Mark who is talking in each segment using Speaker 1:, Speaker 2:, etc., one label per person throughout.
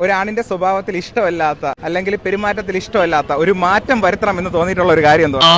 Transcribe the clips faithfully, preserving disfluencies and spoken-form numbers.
Speaker 1: ഒരാണിന്റെ സ്വഭാവത്തിൽ ഇഷ്ടമല്ലാത്ത അല്ലെങ്കിൽ പെരുമാറ്റത്തിൽ ഇഷ്ടമല്ലാത്ത ഒരു മാറ്റം വരുത്തണം എന്ന് തോന്നിയിട്ടുള്ള ഒരു കാര്യം എന്തോ?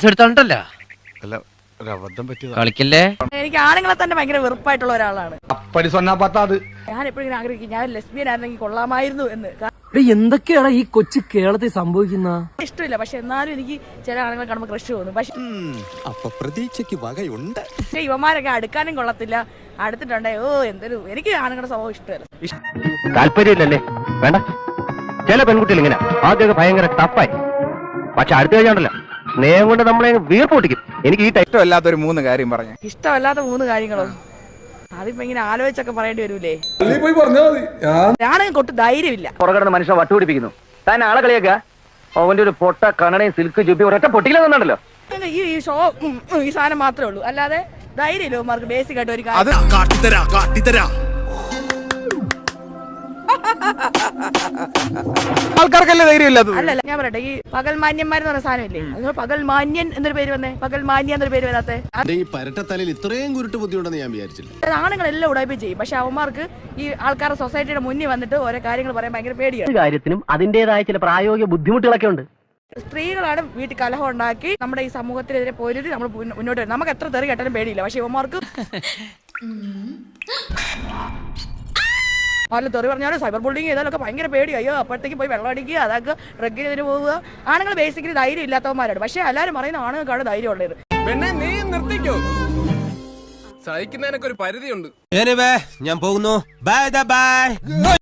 Speaker 2: കളിക്കല്ലേ.
Speaker 3: എനിക്ക് ആണുങ്ങളെ തന്നെ ഭയങ്കര വെറുപ്പായിട്ടുള്ള ഒരാളാണ്.
Speaker 4: ഞാൻ എപ്പോഴും ആഗ്രഹിക്കും ഞാൻ ലെസ്ബിയൻ ആയിരുന്നെങ്കിൽ കൊള്ളാമായിരുന്നു എന്ന്.
Speaker 5: എന്തൊക്കെയാണ് ഈ കൊച്ചു കേരളത്തിൽ സംഭവിക്കുന്ന?
Speaker 4: ഇഷ്ടമില്ല, പക്ഷെ എന്നാലും എനിക്ക് ചില ആളുകളെ കാണുമ്പോൾ ക്രഷ് തോന്നും. പക്ഷെ
Speaker 6: പ്രതീക്ഷയ്ക്ക് വകയുണ്ട്.
Speaker 4: പക്ഷെ ഇവന്മാരൊക്കെ അടുക്കാനും കൊള്ളത്തില്ല. അടുത്തിട്ടുണ്ടേ ഓ എന്തൊരു എനിക്ക് ആണുങ്ങളുടെ സ്വഭാവം ഇഷ്ടമല്ല.
Speaker 2: താല്പര്യമില്ലല്ലേ? വേണ്ട. ചില പെൺകുട്ടികൾ ഇങ്ങനെ ആദ്യമൊക്കെ ഭയങ്കര ടഫായി, പക്ഷെ അടുത്ത കഴിഞ്ഞാണ്ടല്ലോ സ്നേഹം കൊണ്ട് നമ്മളെ വീർപ്പൊട്ടിക്കും. എനിക്ക് ഈ
Speaker 1: ഇഷ്ടമല്ലാത്ത ഒരു മൂന്ന് കാര്യം പറഞ്ഞു.
Speaker 4: ഇഷ്ടമല്ലാത്ത മൂന്ന് കാര്യങ്ങളോ? അതിപ്പോ ഇങ്ങനെ ആലോചിച്ചൊക്കെ പറയേണ്ടി വരൂലേ? ഞാനും കൊട്ട് ധൈര്യമില്ല.
Speaker 2: പുറകിടന്ന് മനുഷ്യനെ വട്ടുപിടിപ്പിക്കുന്നു. താൻ ആളെ കളിയാക്ക. അവന്റെ ഒരു പൊട്ട കണ്ണടയും സിൽക്ക് ചുപ്പി ഒരൊറ്റ പൊട്ടിയില്ലെന്നുണ്ടല്ലോ.
Speaker 4: ഈ ഈ ഷോ ഈ സാധനം മാത്രമേ ഉള്ളൂ, അല്ലാതെ ധൈര്യമില്ല അവന്മാർക്ക്. ബേസിക് ആയിട്ട് ഒരു കാര്യം
Speaker 1: ആൾക്കാർക്കല്ലേ ധൈര്യമില്ലാത്തത്?
Speaker 4: അല്ലല്ല, ഞാൻ പറയട്ടെ, ഈ പകൽ മാന്യന്മാരെന്ന് പറഞ്ഞ സാധനമില്ലേ, അത് പകൽ മാന്യൻ എന്നൊരു പേര് വന്നേ. പകൽ മാന്യ എന്നൊരു പേര് വരാത്തെ
Speaker 6: ഈ പരട്ടത്തലയിൽ ഇത്രയും കുരുട്ട് ബുദ്ധിയുണ്ടെന്ന് ഞാൻ വിചാരിച്ചില്ല.
Speaker 4: ആണുങ്ങളെല്ലാം ഉടായ്പ ചെയ്യും, പക്ഷെ അവന്മാർക്ക് ഈ ആൾക്കാരുടെ സൊസൈറ്റിയുടെ മുന്നിൽ വന്നിട്ട് ഓരോ കാര്യങ്ങൾ പറയാൻ ഭയങ്കര പേടിയാണ്.
Speaker 2: കാര്യത്തിനും അതിന്റേതായ ചില പ്രായോഗിക ബുദ്ധിമുട്ടുകളൊക്കെ ഉണ്ട്.
Speaker 4: സ്ത്രീകളാണ് വീട്ടിൽ കലഹം ഉണ്ടാക്കി നമ്മുടെ ഈ സമൂഹത്തിനെതിരെ പോയിട്ട് നമ്മൾ മുന്നോട്ട് വരും. നമുക്ക് എത്ര തെറി കേട്ടാലും പേടിയില്ല, പക്ഷെ ഇവന്മാർക്ക് അല്ല തെറി പറഞ്ഞാലും സൈബർ ബുള്ളിങ് ചെയ്താലൊക്കെ ഭയങ്കര പേടി. അയ്യോ അപ്പോഴത്തേക്ക് പോയി വെള്ളം അടിക്കുക, അതൊക്കെ ഡ്രഗിന് പോവുക. ആണുങ്ങൾ ബേസിക്കലി ധൈര്യം ഇല്ലാത്തവന്മാരാണ്, പക്ഷെ എല്ലാവരും പറയുന്ന ആണുങ്ങൾക്കാണ് ധൈര്യം ഉള്ളത്.
Speaker 7: നീ നിർത്തിക്കോ, സഹിക്കുന്നതിനൊക്കെ ഒരു പരിധിയുണ്ട്.
Speaker 6: ഞാൻ പോകുന്നു. Bye by.